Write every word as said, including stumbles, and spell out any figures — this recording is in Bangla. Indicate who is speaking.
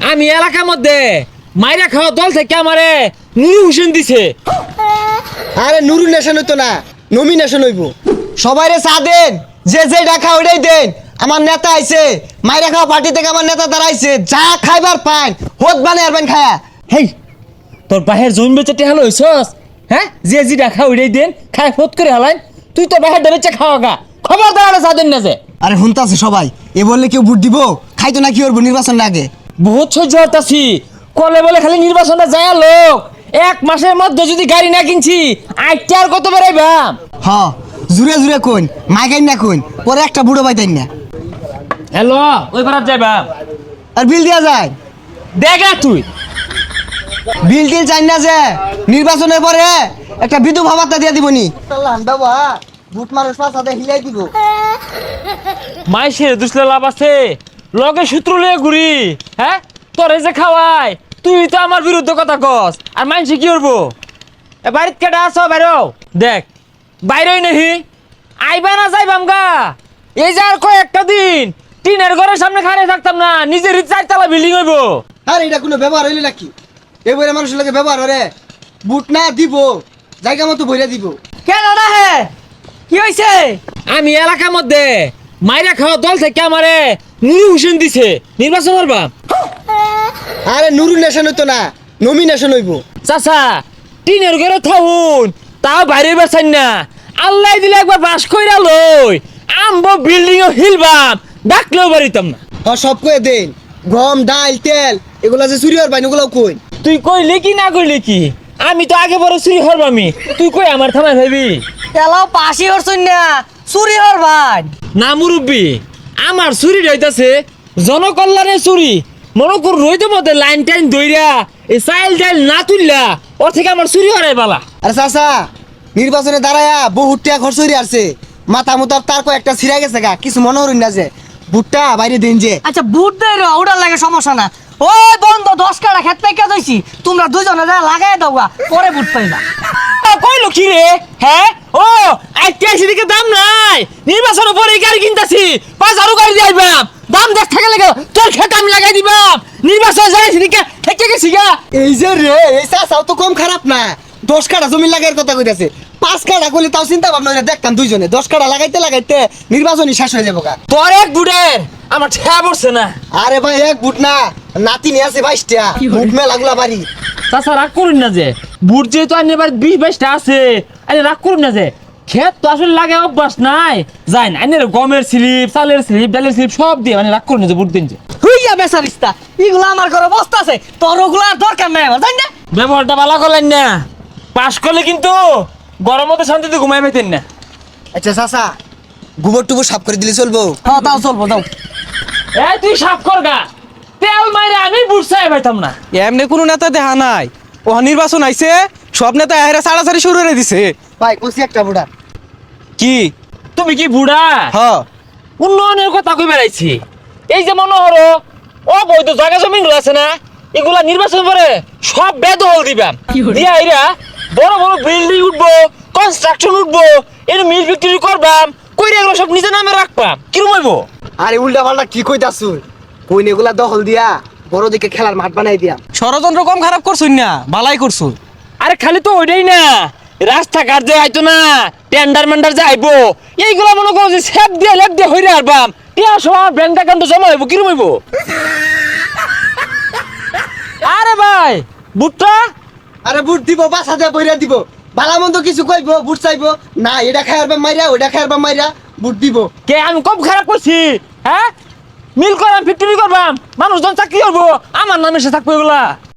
Speaker 1: আমি এলাকার মধ্যে মাইরা খাওয়া দল থেকে আমারে নুরু হোসেন দিছে।
Speaker 2: আরে নুরু নেশন হইতো না, নমিনেশন হইব। সবাইরে চা দেন, যে যে ডাকা ওইটাই দেন। আমার নেতা আইছে, মাইরা খাওয়া পার্টি থেকে আমার নেতা দাঁড়াইছে। যা খাইবার পান হোত বানে আরবেন খায়া।
Speaker 1: হেই তোর বাহের জমি বেচে টেহাল হইছস? হ্যাঁ, যে জি ডাকা ওইটাই দেন, খাই ফোত করে হালাইন। তুই তো বাহের বেচে খাওয়া গা, খবর দাঁড়ালে চা দেন না যে।
Speaker 2: আরে হুনতাছে সবাই, এ বললে কেউ ভোট দিব? খাইতো না কি করবো নির্বাচন আগে?
Speaker 1: বহুত সহ্য হতাছি, কলে বলে খালি নির্বাচনটা যায় লোক। এক মাসের মধ্যে যদি গাড়ি না কিনছি আইটা আর কত বেড়াইবাম।
Speaker 2: হ জুড়ে জুড়ে কোন মাইগাইন না কোন, পরে একটা বুড়ো পাইতেন না।
Speaker 1: হ্যালো, ওই পারাত যাইবাম।
Speaker 2: আর বিল দেওয়া যায়?
Speaker 1: দেখা তুই
Speaker 2: বিল টিল চাই না যে, নির্বাচনের পরে একটা বিধবা ভাতা দিয়ে দিবনি। বাবা ভোট মানুষ পাশাতে হিলাই দিব।
Speaker 1: মাইসের দুসলে লাভ আছে, লগে সূত্র লিয়ে ঘুরি। হ্যাঁ, তোরে যে খাওয়াই, তুই তো আমার বিরুদ্ধে কথা কস। আর মাইসে কি করবো? এ বাড়িত কেটা আছো? বাইরো দেখ, বাইরেই নাহি আইবা না যাইবাম গা। এই যে আর কয়েকটা দিন টিনের ঘরের সামনে খাড়িয়ে থাকতাম না, নিজের চারতলা বিল্ডিং হইব।
Speaker 2: আর এটা কোনো ব্যবহার হইলে নাকি? এবারে মানুষের লাগে ব্যবহার হরে। বুট না দিব, জায়গা মতো বইরা দিব।
Speaker 1: কেন না হে, কি হয়েছে? আমি এলাকার মধ্যে মাইরা খাওয়া দল থেকে আমারে নুরু হোসেন দিছে। নির্বাচন করবা?
Speaker 2: আরে নুরু নেশন হইতো না, নমিনেশন হইব।
Speaker 1: চাচা টিনের ঘরে থাকুন, তাও বাইরে বেচান না। আল্লাহ দিলে একবার বাস কইরা লই আমবো বিল্ডিং ও হিলবাম, ডাকলেও বাড়িতাম না।
Speaker 2: আর সব কয়ে দেন, গম ডাল তেল এগুলা যে চুরি হওয়ার বাইন ওগুলাও কই।
Speaker 1: তুই কইলে কি না কইলে কি, আমি তো আগে বড় চুরি হরবামি। তুই কই আমার থামাই ভাবি
Speaker 3: এলাও পাশি হরছুন না, চুরি হর ভাই।
Speaker 1: না মুরব্বী, আমার চুরি রইতাছে জনকল্যাণের চুরি। মনে কর রইতে মধ্যে লাইন টাইন দইরা এই চাইল টাইল না তুললা ওর থেকে আমার চুরি হরাই বালা।
Speaker 2: আরে চাচা নির্বাচনে দাঁড়ায়া বহুত টাকা খরচ হয়ে আসছে। মাথা মুতার তার কয়েকটা ছিঁড়া গেছে গা, কিছু মনে হরুন না যে ভুট্টা বাইরে দিন যে।
Speaker 3: আচ্ছা বুট দেয় রে, ওটার লাগে সমস্যা না। ওই বন্ধ দশ কাটা খেত পাইকা যাইছি, তোমরা দুজনে যা লাগাই দাও গা, পরে বুট পাইবা।
Speaker 1: কইলো কি রে? হ্যাঁ, ও আইতে দিকে দাম নাই, নির্বাচনের পরে গাড়ি কিনতাছি, পাঁচ আরো গাড়ি দিয়ে আইবাম। দাম দেখ থাকে লাগে তোর খেত আমি লাগাই দিবাম। নির্বাচন যাই সেদিকে থেকে গেছি গা।
Speaker 2: এই যে রে, এই চাচাও তো কম খারাপ না। দশ কাটা জমি লাগাইয়ের কথা কইতাছে। পাঁচ কাটা করলে তাও চিন্তা ভাবনা করে দেখতাম দুইজনে। দশ কাটা লাগাইতে লাগাইতে নির্বাচনই শেষ হয়ে যাবো গা।
Speaker 1: তোর এক বুড়ের আমার ঠেয়া পড়ছে না।
Speaker 2: আরে ভাই এক বুট না, নাতি নিয়ে আছে বাইশটা বুট মেলাগুলা বাড়ি।
Speaker 1: তাছাড়া রাগ করুন না যে, বুট যেহেতু আনি এবার বিশ বাইশটা আছে, আরে রাগ করুন না যে, ক্ষেত তো আসলে লাগে অভ্যাস নাই। যাই না আনি গমের স্লিপ, চালের স্লিপ, ডালের স্লিপ সব দিয়ে মানে রাগ করুন না যে বুট দিন যে।
Speaker 3: হুইয়া বেসারিস্তা, এগুলো আমার ঘরে বস্তা আছে, তোর ওগুলো আর দরকার নাই আমার, জানি না।
Speaker 1: ব্যবহারটা ভালো করলেন না, পাশ করলে কিন্তু গরম মতো শান্তিতে ঘুমাই পেতেন না।
Speaker 2: আচ্ছা চাচা গোবর টুবর সাফ করে দিলে চলবো?
Speaker 3: হ্যাঁ তাও চলবো, যাও।
Speaker 1: এই তুই সাফ কর গা, তেল মাইরে আমি বুট চাই পাইতাম না।
Speaker 4: এমনি কোনো নেতা দেখা নাই। ও নির্বাচন আইছে, সব নেতা এরা সাড়াসাড়ি শুরু করে দিছে।
Speaker 2: ভাই কইছি একটা বুড়া।
Speaker 4: কি
Speaker 1: তুমি কি বুড়া?
Speaker 4: হ
Speaker 1: উন্নয়নের কথা কই বেড়াইছি। এই যে মনে হলো অবৈধ জায়গা জমি গুলো আছে না, এগুলা নির্বাচন করে সব বেদখল দিবাম। দিয়া এরা বড় বড় বিল্ডিং উঠবো, কনস্ট্রাকশন উঠবো, এর মিল ফ্যাক্টরি করবাম, কইরা এগুলো সব নিজের নামে রাখবাম। কিরম হইব?
Speaker 2: আরে উল্টা পাল্টা কি কইতাছু? কইন এগুলা দখল দিয়া বড় দিকে খেলার মাঠ বানাই দিয়া।
Speaker 4: ষড়যন্ত্র কম খারাপ করছুন না, বালাই করছু।
Speaker 1: আরে খালি তো ওইটাই না, রাস্তাঘাট যে আইতো না, টেন্ডার মেন্ডার যে আইবো, এইগুলা মনে করো যে সেপ দিয়ে লেপ দিয়ে হইরে আরবাম। টিয়া সব ব্যাংক অ্যাকাউন্টে জমা হইব। কিরম হইব? আরে ভাই বুটটা
Speaker 2: আরে বুট দিব, বাসা দিয়ে বইরা দিব। ভালো মন্দ কিছু কইব, বুট চাইবো না, এটা খাইয়ারবা মাইরা ওইটা খাইয়ারবা মাইরা বুট দিব।
Speaker 1: কে আমি কম খারাপ করছি? হ্যাঁ, মিল করাম, ফ্যাক্টরি করবাম, মানুষজন চাকরি করবো, আমার নামে সে থাকবো এগুলা।